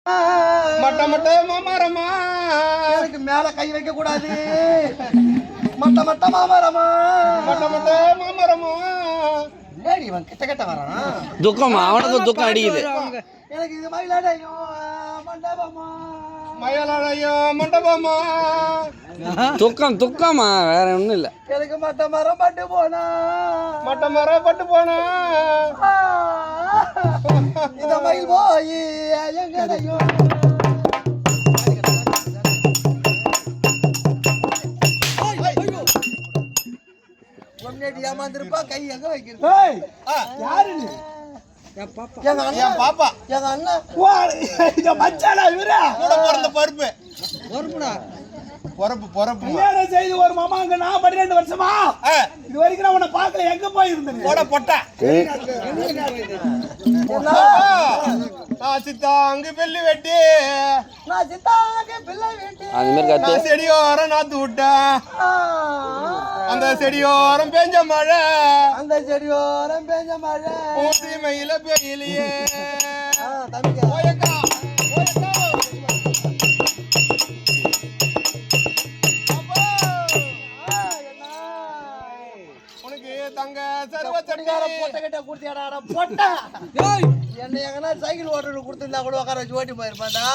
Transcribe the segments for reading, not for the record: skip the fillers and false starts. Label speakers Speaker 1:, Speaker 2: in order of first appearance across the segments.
Speaker 1: மட்ட மட்ட மாமரமா
Speaker 2: எனக்கு மேல கை வைக்க கூடாது. மட்ட மட்ட மாமரமா
Speaker 1: மட்ட மட்ட மாமரமா.
Speaker 2: ஏடி இவன் கிட்ட கிட்ட வரான்.
Speaker 3: துக்கம் அவனுக்கு துக்கம் அடிக்குது.
Speaker 2: எனக்கு இது மயிலாடையும் மண்டபமா
Speaker 1: மயிலாடையும் மண்டபமா.
Speaker 3: துக்கம் துக்கமா வேற ஒண்ணும் இல்ல.
Speaker 2: எனக்கு மட்ட மரம் பட்டு போனா
Speaker 1: மட்ட மரம் பட்டு போனா
Speaker 2: இந்த மயில் போய் எங்கடையும் ஏமாந்திருப்பா கை எங்க வைக்கிறது. யாரு எங்க அண்ணன்
Speaker 1: பாப்பா
Speaker 2: எங்க அண்ணன் மச்சானா இவரா
Speaker 1: கூட பிறந்த பருப்பு பொறப்பு பொறப்பு
Speaker 2: கல்யாணம் செய்து ஒரு மாமா அங்க நான் 12 வருஷமா இது வரைக்கும் நான் உன்னை பார்க்கல. எங்க போயிருந்தேன்
Speaker 1: போட பொட்டா சித்தாங்கு பெல்லி வெட்டி
Speaker 2: நான் சித்தாங்க பிள்ளை வெட்டி
Speaker 3: அது மாதிரி கத்து
Speaker 1: செடியோரம் நாத்து விட்டேன். அந்த செடியோரம் பெஞ்ச மழை
Speaker 2: அந்த செடியோரம் பெஞ்ச மழை
Speaker 1: மயில பெயிலையே
Speaker 2: தம்பிக்கா
Speaker 1: தங்க சர்வ
Speaker 2: பொட்டை கிட்ட குடுத்தியாடா பொட்டா என்ன எங்கன்னா சைக்கிள் ஓட்டுறது கொடுத்துருந்தா கூட உட்கார வச்சு ஓட்டி போயிருப்பாண்டா.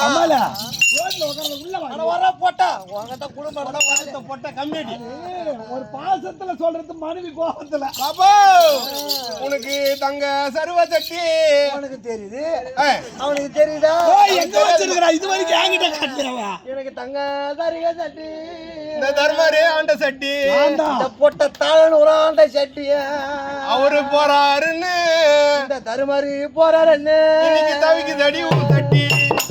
Speaker 2: வர போட்டா உங்ககிட்ட குடும்பம் பொட்டை கம்யூனிட்டி ஒரு பாசத்துல சொல்றது மனைவி கோபத்துல
Speaker 1: பாப்பா உனக்கு தங்க சர்வ சட்டி
Speaker 2: அவனுக்கு தெரியுது அவனுக்கு தெரியுதா
Speaker 1: எங்க வச்சிருக்கா இது வரைக்கும் என்கிட்ட காட்டுறவா.
Speaker 2: எனக்கு தங்க சரிக சட்டி
Speaker 1: இந்த தர்மரே ஆண்ட சட்டி
Speaker 2: இந்த பொட்டை தாழன்னு ஒரு ஆண்ட சட்டி
Speaker 1: அவரு போறாருன்னு
Speaker 2: இந்த தருமாரி போறாருன்னு
Speaker 1: இன்னைக்கு தவிக்கு தடி உன் தட்டி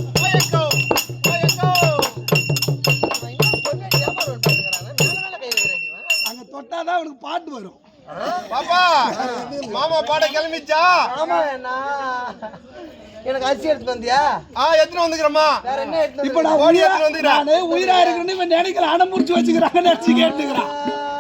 Speaker 2: அங்க தொட்டாதான் அவனுக்கு பாட்டு வரும்.
Speaker 1: பாப்பா மாமா பாட கிளம்பிச்சா?
Speaker 2: ஆமா என்ன எனக்கு அரிசி எடுத்து வந்தியா?
Speaker 1: எத்தனை வந்துக்கிறமா?
Speaker 2: வேற என்ன எடுத்து
Speaker 1: இப்ப நான் ஓடி எடுத்து வந்துக்கிறேன்.
Speaker 2: நானே உயிரா இருக்குன்னு இவன் நினைக்கிற அடம் முடிச்சு வச்சுக்கிறாங்க நினைச்சு கேட்டுக்கிறான்.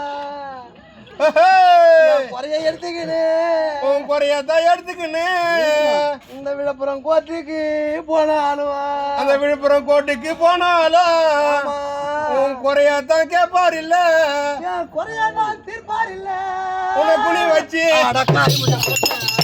Speaker 2: குறைய எடுத்துக்கின்னு
Speaker 1: உன் குறையத்தான் எடுத்துக்கின்னு
Speaker 2: இந்த விழுப்புரம் கோட்டைக்கு போனாலும்
Speaker 1: அந்த விழுப்புரம் கோட்டைக்கு போனாலும் உன் குறையத்தான் கேட்பார் இல்ல
Speaker 2: குறையா தீர்ப்பார் இல்ல
Speaker 1: உன்னை குனி வச்சு